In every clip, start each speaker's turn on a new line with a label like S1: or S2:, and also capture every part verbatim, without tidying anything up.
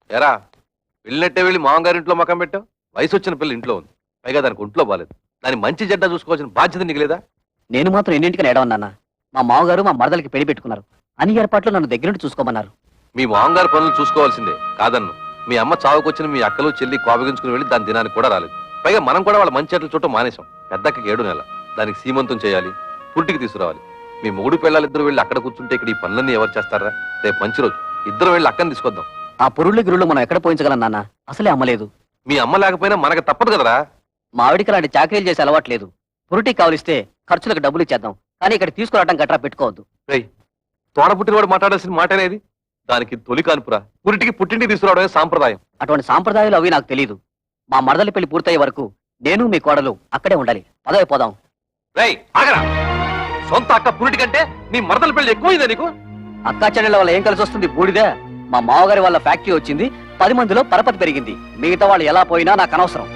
S1: ఎరా వెళ్ళినట్టే వెళ్ళి మామగారింట్లో మకం పెట్టావు. వయసు వచ్చిన పిల్ల ఇంట్లో ఉంది, పైగా దానికి ఒంట్లో బాలేదు. దాని మంచి జడ్డ చూసుకోవాల్సిన బాధ్యత నీకు లేదా?
S2: నేను మాత్రం ఎన్నింటికని ఏడవన్నా. మా మామగారు మా మరదలకి పెళ్లి పెట్టుకున్నారు. అన్ని ఏర్పాట్లు నన్ను దగ్గరుండి చూసుకోమన్నారు.
S1: మీ మామగారు పనులు చూసుకోవాల్సిందే కాదన్ను. మీ అమ్మ చావుకొచ్చిన మీ అక్కలు చెల్లి కోపగించుకుని వెళ్ళి దాని దినానికి కూడా రాలేదు. పైగా మనం కూడా వాళ్ళ మంచి చెట్లు చుట్టూ మానేశాం. పెద్దక్కకి ఏడు నెల, దానికి సీమంతం చేయాలి, పుట్టికి తీసుకురావాలి. మీ మూడు పిల్లలు ఇద్దరు వెళ్ళి అక్కడ కూర్చుంటే ఇక్కడ ఈ పనులన్నీ ఎవరు చేస్తారా? రేపు మంచి రోజు, ఇద్దరు వెళ్ళి అక్కని తీసుకొద్దాం.
S2: ఆ పురుళ్ళు గిరుళ్ళు మనం ఎక్కడ పోయించగలం నాన్న? అసలే అమ్మలేదు.
S1: మీ అమ్మ లేకపోయినా మనకు తప్పదు కదరా.
S2: మా ఆవిడికి అలాంటి చాకరీలు చేసే అలవాట్లేదు. పురుటికి కావలిస్తే ఖర్చులకు డబ్బులు ఇచ్చేద్దాం, కానీ ఇక్కడ తీసుకురావడం గట్రా పెట్టుకోవద్దు.
S1: రేయ్, తోడ పుట్టినవాడు మాట్లాడాల్సిన మాట అనేది. దానికి తొలి కాన్పురా, పురిటికి పుట్టింటికి తీసుకురావడమే సాంప్రదాయం.
S2: అటువంటి సాంప్రదాయాలు అవి నాకు తెలియదు. మా మరదలి పెళ్లి పూర్తయ్యే వరకు నేను మీ కోడలు అక్కడే ఉండాలి. పదవి పోదాం.
S1: రేయ్ ఆగరా, సొంత అక్క పురిటి కంటే నీ మరదల పెళ్లి ఎక్కువైందా నీకు?
S2: అక్కా చెల్లెళ్ళ వల్ల ఏం కలిసి వస్తుంది? బూడిదే. మా మామగారి వాళ్ళ ఫ్యాక్టరీ వచ్చింది, పది మందిలో పరపతి పెరిగింది. మిగతా వాళ్ళు ఎలా పోయినా నాకు అనవసరం.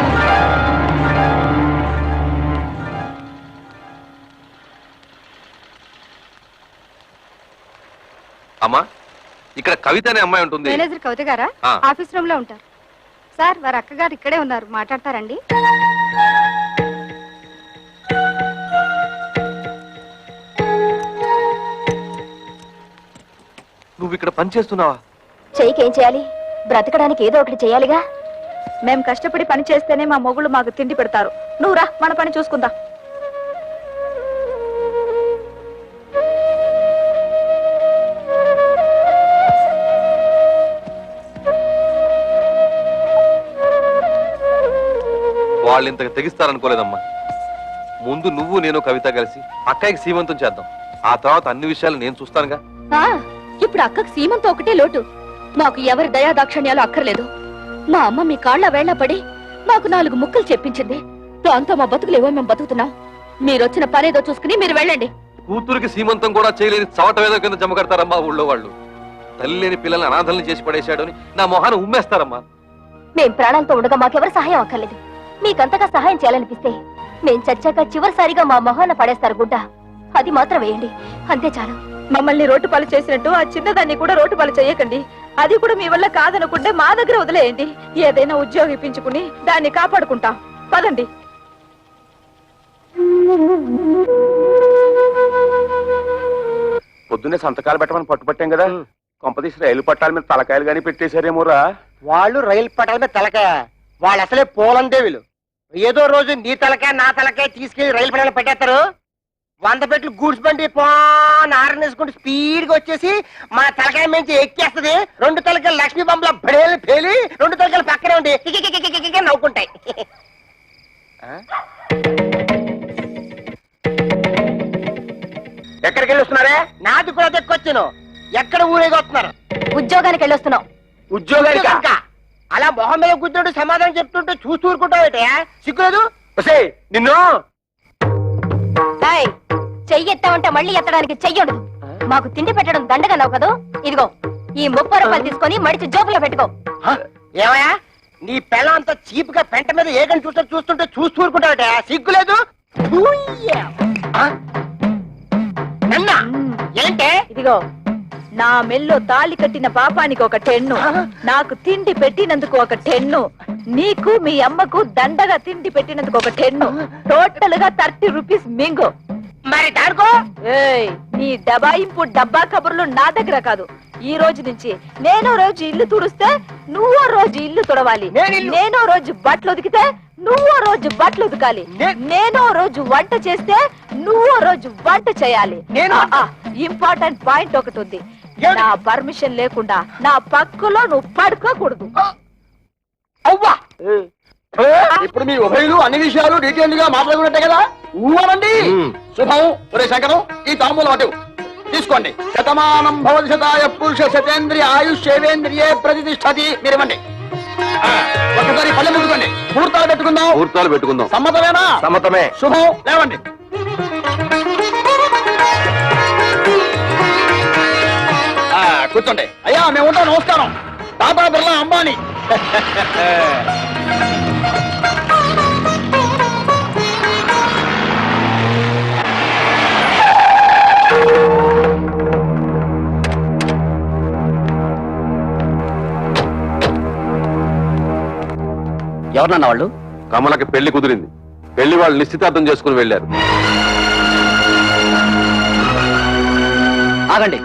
S1: అమ్మా, ఇక్కడ కవిత అనే అమ్మాయి ఉంటుంది.
S3: మేనేజర్ కవిత గారా? ఆఫీస్ రూమ్ లో ఉంటారు సార్. వారి అక్కగారు ఇక్కడే ఉన్నారు, మాట్లాడతారండి.
S1: నువ్వు ఇక్కడ పని చేస్తున్నావా?
S3: చెయ్యికేం చేయాలి? బ్రతకడానికి ఏదో ఒకటి చేయాలిగా. మేం కష్టపడి పని చేస్తేనే మా మొగుళ్ళు మాకు తిండి పెడతారు. నువ్వు రా, మన పని చూసుకుందా.
S1: వాళ్ళు ఇంతకు తెగిస్తారనుకోలేదమ్మా. ముందు నువ్వు నేను కవిత కలిసి అక్కయ్యకి సీమంతం చేద్దాం. ఆ తర్వాత అన్ని విషయాలు నేను చూస్తానుగా.
S3: ఇప్పుడు అక్కకి సీమంతం ఒకటే లోటు. మాకు ఎవరి దయా దాక్షణ్యాలు అక్కర్లేదు. మా అమ్మ మీ కాళ్ళ వేళ్ల పడి మాకు నాలుగు ముక్కలు చెప్పించింది. దాంతో మా బతుకులేవో మేము బతుకుతున్నాం. మీరొచ్చిన పనేదో చూసుకుని మీరు వెళ్ళండి.
S1: కూతురికి సీమంతం కూడా చేయలేని చవటవేదో కింద జమ కడతారమ్మా ఊళ్ళో వాళ్ళు. తల్లి లేని పిల్లల్ని అనాథల్ని చేసి పడేశాడు అని నా మొహాన్ని ఉమ్మేస్తారమ్మా.
S3: మేం ప్రాణాలతో ఉండగా మాకెవరు సహాయం అక్కర్లేదు. మీకంతగా సహాయం చేయాలనిపిస్తే మేం చచ్చాక చివరిసారిగా మా మొహాన పడేస్తారు గుడ్డ. అది మాత్రం వేయండి, అంతే చాలు. మమ్మల్ని రోడ్డు పాలు చేసినట్టు ఆ చిన్నదాన్ని కూడా రోడ్డు పాలు చేయకండి. అది కూడా మీ వల్ల కాదనుకుంటే మా దగ్గర వదిలేయండి. ఏదైనా ఉద్యోగం ఇప్పించుకుని దాన్ని కాపాడుకుంటాం. పదండి.
S4: పొద్దున్నే సంతకాలు పెట్టమని పట్టుపట్టాం కదా, కొంపదీసి రైలు పట్టాల మీద తలకాయలు గానీ పెట్టేశారేమోరా.
S5: వాళ్ళు రైలు పట్టాల మీద తలకాయ, వాళ్ళు అసలే పోలందేవులు. ఏదో రోజు నీ తలకాయ నా తలకాయ తీసుకెళ్లి రైలు పట్టాల పెట్టేస్తారు. వంద పెట్లు గూడ్స్ బండి పోన్ ఆరనేసుకుంటూ స్పీడ్ గా వచ్చేసి మా తలకాయ నుంచి ఎక్కేస్తుంది. రెండు తలకాయలు లక్ష్మీ బొమ్మల బడేలు పేలి రెండు తలకాయలు పక్కనే ఉండి కికికికికికికి నవ్వుకుంటాయి. ఎక్కడికి వెళ్ళి వస్తున్నారే? నాది కూడా దక్కొచ్చాను. ఎక్కడ ఊరేగి వస్తున్నారు?
S3: ఉద్యోగానికి వెళ్ళొస్తున్నాం.
S5: ఉద్యోగానికి? అలా మొహం మీద కూర్చుంటూ సమాధానం చెప్తుంటే చూస్తూ ఊరుకుంటావు. సిగ్గులేదు నిన్ను.
S3: చెయ్యి ఎత్తామంటే మళ్ళీ ఎత్తడానికి చెయ్యడు. మాకు తిండి పెట్టడం దండగన్నావు కదా. ఇదిగో ఈ ముప్పై రూపాయలు తీసుకొని మడిచి జోబులో పెట్టుకో.
S5: ఏమయ్యా, నీ పిల్లం అంతా చీప్ గా పెంట మీద ఏగని చూస్తూ చూస్తుంటే చూస్తూ ఊరుకుంటావట. సిగ్గులేదు. ఏంటే?
S3: ఇదిగో నా మెల్లో తాళి కట్టిన పాపానికి ఒక టెన్ను, నాకు తిండి పెట్టినందుకు ఒక టెన్ను, నీకు మీ అమ్మకు దండగా తిండి పెట్టినందుకు ఒక టెన్ను. టోటల్ గా థర్టీ రూపీస్ మింగు.
S5: మరి దాడుకో.
S3: ఏయ్, నీ డబాయింపు డబ్బా కబుర్లు నా దగ్గర కాదు. ఈ రోజు నుంచి నేనో రోజు ఇల్లు తుడిస్తే నువ్వో రోజు ఇల్లు తుడవాలి. నేనో రోజు బట్టలు ఉతికితే నువ్వో రోజు బట్టలు ఉతకాలి. నేనో రోజు వంట చేస్తే నువ్వో రోజు వంట చేయాలి. ఇంపార్టెంట్ పాయింట్ ఒకటి ఉంది. నా పర్మిషన్ లేకుండా నా పక్కలో నువ్వు పడుకోకూడదు.
S5: అవ్వా, ఇప్పుడు మీ ఉభయులు అన్ని విషయాలు డీటెయిల్ గా మాట్లాడుకున్నట్టే కదా. ఊరండి. శుభం. ఒరే శంకరం, ఈ తాంబూలం అటు తీసుకోండి. శతమానం భవతి శతాయ పురుష శతేంద్రియ ఆయుష్ సేవేంద్రియే ప్రతిష్టతి. మీరేమండి ఒక్కసారి పల్లె పెట్టుకోండి. ముహూర్తాలు పెట్టుకుందాం.
S1: ముహూర్తాలు పెట్టుకుందాం.
S5: సమ్మతమేనా?
S1: సమ్మతమే.
S5: శుభం. లేవండి. కూర్చోండి. అయ్యా మేము ఉంటాం. నమస్కారం. టాటా బిర్లా అంబానీ.
S2: ఎవరన్నా వాళ్ళు?
S1: కమలకి పెళ్లి కుదిరింది. పెళ్లి వాళ్ళు నిశ్చితార్థం చేసుకుని వెళ్ళారు.
S2: ఆగండి,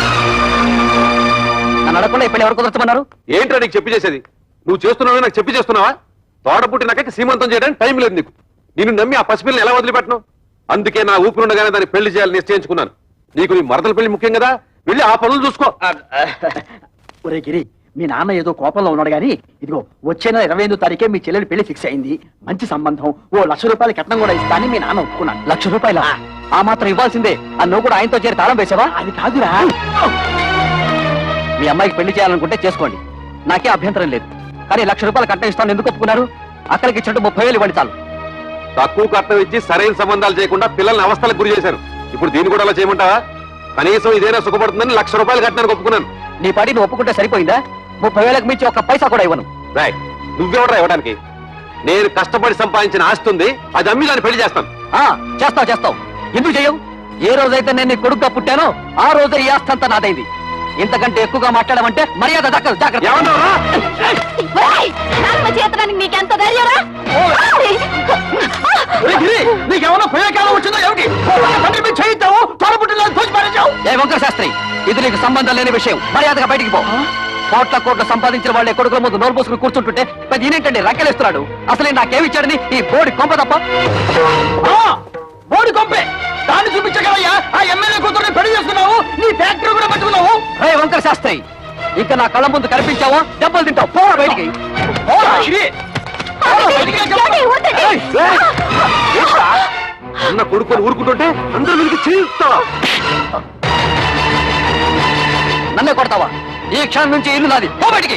S2: నన్ను అడగకుండా ఇప్పుడు ఎవరు కుదురుతున్నారు?
S1: ఏంట్రా నీకు చెప్పి చేసేది? నువ్వు చేస్తున్నావు నాకు చెప్పి చేస్తున్నావా? తోట పుట్టినాక సీమంతం చేయడానికి టైం లేదు నీకు. నిన్ను నమ్మి ఆ పసిపిల్లని ఎలా వదిలిపెట్టను? అందుకే నా ఊపిరుండగానే దాన్ని పెళ్లి చేయాలని నిశ్చయించుకున్నాను. నీకు నీ మరదల పెళ్లి ముఖ్యం కదా, వెళ్ళి ఆ పనులు చూసుకో.
S5: ఒరే గిరి, మీ నాన్న ఏదో కోపంలో ఉన్నాడు గాని ఇదిగో వచ్చే నెల ఇరవై ఐదో తారీఖే మీ చెల్లెలి పెళ్లి ఫిక్స్ అయింది. మంచి సంబంధం, ఓ లక్ష రూపాయల కట్నం కూడా ఇస్తానని మీ నాన్న ఒప్పుకున్నాను.
S2: లక్ష రూపాయల ఆ మాత్రం ఇవ్వాల్సిందే. ఆ నువ్వు కూడా ఆయనతో చేరి తాళం వేసావా?
S5: అది కాదురా.
S2: మీ అమ్మాయికి పెళ్లి చేయాలనుకుంటే చేసుకోండి, నాకే అభ్యంతరం లేదు. కానీ లక్ష రూపాయలు కట్నం ఇస్తాను ఎందుకు ఒప్పుకున్నారు? అక్కడికి ఇచ్చినట్టు ముప్పై వేలు ఇవ్వండి చాలు.
S1: తక్కువ కట్నం ఇచ్చి సరైన సంబంధాలు చేయకుండా పిల్లల్ని అవస్థలకు గురి చేశారు. ఇప్పుడు దీన్ని కూడా అలా చేయమంటావా? కనీసం ఇదేనా సుఖపడుతుందని లక్ష రూపాయలు కట్టానికి ఒప్పుకున్నాను.
S2: నీ పాటి నువ్వు ఒప్పుకుంటే సరిపోయిందా? ముప్పై వేలకు మించి ఒక్క పైసా కూడా ఇవ్వను.
S1: రాయ్, నువ్వెవడరా ఇవ్వడానికి? నేను కష్టపడి సంపాదించిన ఆస్తి ఉంది, అది అమ్మి దాన్ని పెళ్లి చేస్తాను.
S2: ఆ చేస్తావు చేస్తావు, ఎందుకు చేయవు? ఏ రోజైతే నేను నీ కొడుకుగా పుట్టానో ఆ రోజే ఈ ఆస్తి అంతా నాదైంది. ఇంతకంటే ఎక్కువగా మాట్లాడమంటే మర్యాద దక్కదు. జాగ్రత్త.
S1: ఏమన్నావురా?
S3: చేతడానికి నీకెంత ధైర్యరా?
S5: ఒరే గిరి, నీకేమన్నా ప్రయోగాలు వచ్చిందో ఏమిటి? తండ్రి మీద చేయిద్దావు, తోడ పుట్టిన తోచి పారేశావు.
S2: ఏ వంకర శాస్త్రి, ఇది నీకు సంబంధం లేని విషయం. మర్యాదగా బయటికి పో. కోట్ల కోట్ల సంపాదించిన వాళ్ళే కొడుకుల ముందు నోరు పోసుకుని కూర్చుంటుంటే పెద్ద ఈయనేంటండి రక్కలేస్తున్నాడు? అసలే నాకేమిచ్చాడని ఈ బోడి కొంప తప్ప.
S5: బోడి కొంపే, దాన్ని చూపించగలయ్యా. ఆ ఎమ్మెల్యే కూతురుని పెళ్లి చేసుకున్నావు, నీ ఫ్యాక్టరీ కూడా పట్టుకున్నావు.
S2: రే వంకర శాస్త్రి, ఇంకా నా కళ్ళ ముందు కనిపించావో దెబ్బలు తింటావు. పోరా బయటికి.
S5: పోరా గిరి. పోరా బయటికి అని చెప్పు.
S2: ఏయ్, ఏయ్, ఏంట్రా?
S1: అన్న కొడుకుని ఊరుకుంటుంటే అందరూ మీకు చేయిస్తావా?
S2: నన్నే కొడతావా? ఈ క్షణం నుంచి ఇల్లు నాది. పో బయటికి.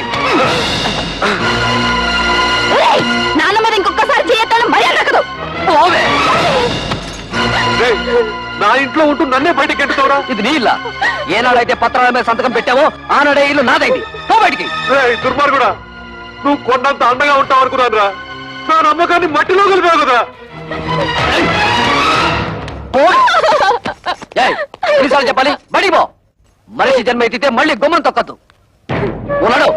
S3: నాన్న మీద ఇంకొకసారి చేయొద్దని మర్యాద దక్కదు.
S2: పోవే.
S1: రేయ్, నా ఇంట్లో ఉంటూ నన్నే బయటకి ఎంటుతావురా?
S2: ఇది నీ ఇల్లా? ఏనాడైతే పత్రాల మీద సంతకం పెట్టావో ఆనాడే ఇల్లు నాదైంది. పో బయటికి.
S1: దుర్మార్గుడా, నువ్వు కొన్నంత అండగా ఉంటావు అనుకున్నాను రా. నా నమ్మకాన్ని మట్టిలో కలిపావు కదా.
S2: ఏయ్, ఎన్నిసార్లు చెప్పాలి? బడి పో. మనిషి జన్మ ఎత్తితే మళ్ళీ గుమ్మం తొక్కద్దు. ఉన్నాడు.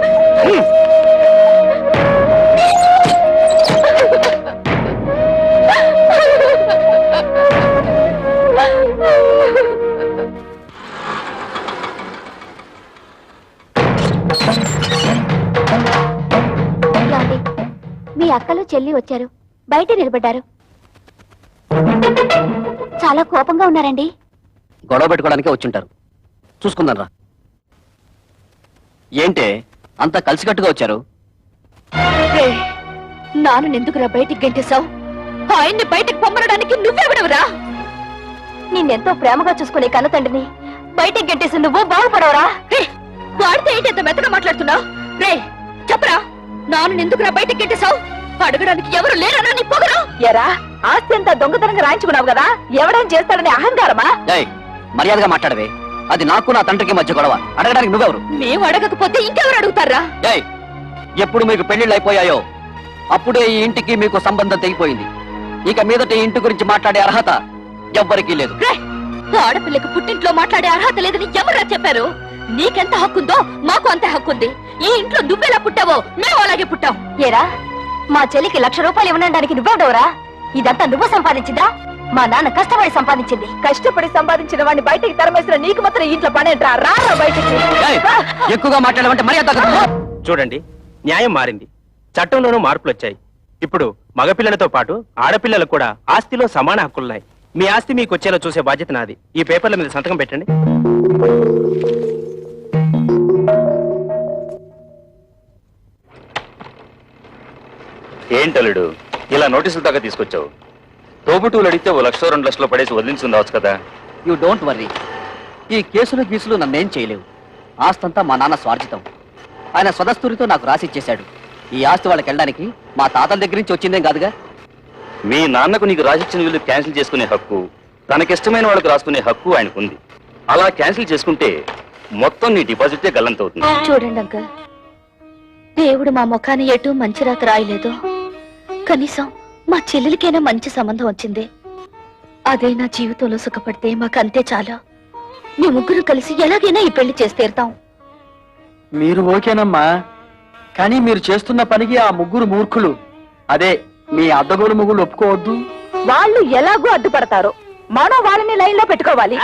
S6: మీ అక్కలు చెల్లి వచ్చారు, బయట నిలబడ్డారు. చాలా కోపంగా ఉన్నారండి.
S2: గొడవ పెట్టుకోవడానికే వచ్చుంటారు. చూసుకుందాం రా. ఏంటే అంతా కలిసికట్టుగా వచ్చారు?
S3: నాన్న ఎందుకురా బయటికి గంటేశావు? ఆయన్ని బయటికి పొమ్మనడానికి నువ్వెవడవురా? నిన్నెంతో ప్రేమగా చూసుకునే కన్న తండ్రిని బయటికి గంటేసి నువ్వు బాగుపడవరా? వాడితే ఏంటి ఎంత మెత్తగా మాట్లాడుతున్నావు? రే చెప్పరా, నాన్న ఎందుకురా బయటికి గంటేశావు? అడగడానికి ఎవరు లేరనా నీ పొగరు? ఎరా, ఆస్తి అంతా దొంగతనంగా రాయించుకున్నావు కదా, ఎవడేం చేస్తాడని అహంకారమా?
S2: ఏయ్, మర్యాదగా మాట్లాడవే. అది నాకు నా తండ్రికి మధ్య గొడవ. అడగడానికి నువ్వెవరు?
S3: మేము అడగకపోతే ఇంకెవరు అడుగుతారా?
S2: ఏయ్, ఎప్పుడు మీకు పెళ్లిళ్ళు అయిపోయాయో అప్పుడే ఈ ఇంటికి మీకు సంబంధం తెగిపోయింది. ఇక మీదట ఈ ఇంటి గురించి మాట్లాడే అర్హత ఎవ్వరికీ లేదు.
S3: ఆడపిల్లకు పుట్టింట్లో మాట్లాడే అర్హత లేదని ఎవరా చెప్పారు? నీకెంత హక్కుందో మాకు అంతే హక్కుంది. ఈ ఇంట్లో నువ్వెలా పుట్టావో మేము అలాగే పుట్టాం. ఏరా, మా చెల్లికి లక్ష రూపాయలు ఇవ్వడానికి నువ్వెవడవరా? ఇదంతా నువ్వు సంపాదించిందా? మా నాన్న కష్టపడి సంపాదించింది. కష్టపడి సంపాదించిన వాడిని బయటికి తరమేసిన నీకు మాత్రం ఇంట్లో పనేంట్రా? రా బయటికి.
S2: ఏయ్, ఎక్కువగా మాట్లాడమంటే మర్యాద తగ్గదు.
S7: చూడండి, న్యాయం మారింది, చట్టంలోనూ మార్పులు వచ్చాయి. ఇప్పుడు మగపిల్లలతో పాటు ఆడపిల్లలకు కూడా ఆస్తిలో సమాన హక్కులున్నాయి. మీ ఆస్తి మీకు వచ్చేలా చూసే బాధ్యత నాది. ఈ పేపర్ల మీద సంతకం పెట్టండి.
S8: ఏంటలుడు ఇలా నోటీసులు దాకా తీసుకొచ్చావు? తోబుటూలు అడిగితే ఓ లక్ష రెండు లక్షలు పడేసి వదిలించుకుందావచ్చు కదా.
S2: You don't worry. ఈ కేసులు గీసులు నన్నేం చేయలేవు. ఆస్తంతా మా నాన్న స్వార్జితం. ఆయన స్వదస్తూరితో నాకు రాసిచ్చేశాడు. ఈ ఆస్తి వాళ్ళకి వెళ్ళడానికి మా తాతల దగ్గర నుంచి వచ్చిందేం కాదుగా.
S8: మీ నాన్నకు నీకు రాసిచ్చిన వీళ్ళు క్యాన్సిల్ చేసుకునే హక్కు, తనకిష్టమైన వాళ్ళకి రాసుకునే హక్కు ఆయనకుంది. అలా క్యాన్సిల్ చేసుకుంటే మొత్తం నీ డిపాజిటే గల్లంతవుతుంది.
S6: చూడండి అంకల్, దేవుడు మా ముఖాన్ని ఎటు మంచి రాత రాయలేదు. కనీసం మా చెల్లెలికైనా మంచి సంబంధం వచ్చింది. అదే నా జీవితంలో సుఖపడితే మాకంతే చాలా. మీ ముగ్గురు కలిసి ఎలాగైనా ఈ పెళ్లి చేసి తీరుతాం.
S5: మీరు ఓకేనమ్మా, కానీ మీరు చేస్తున్న పనికి ఆ ముగ్గురు మూర్ఖులు అదే మీ అద్దగోలు మొగుళ్ళు ఒప్పుకోవద్దు.
S3: వాళ్ళు ఎలాగో అడ్డుపడతారు, మనం వాళ్ళని లైన్ లో పెట్టుకోవాలి.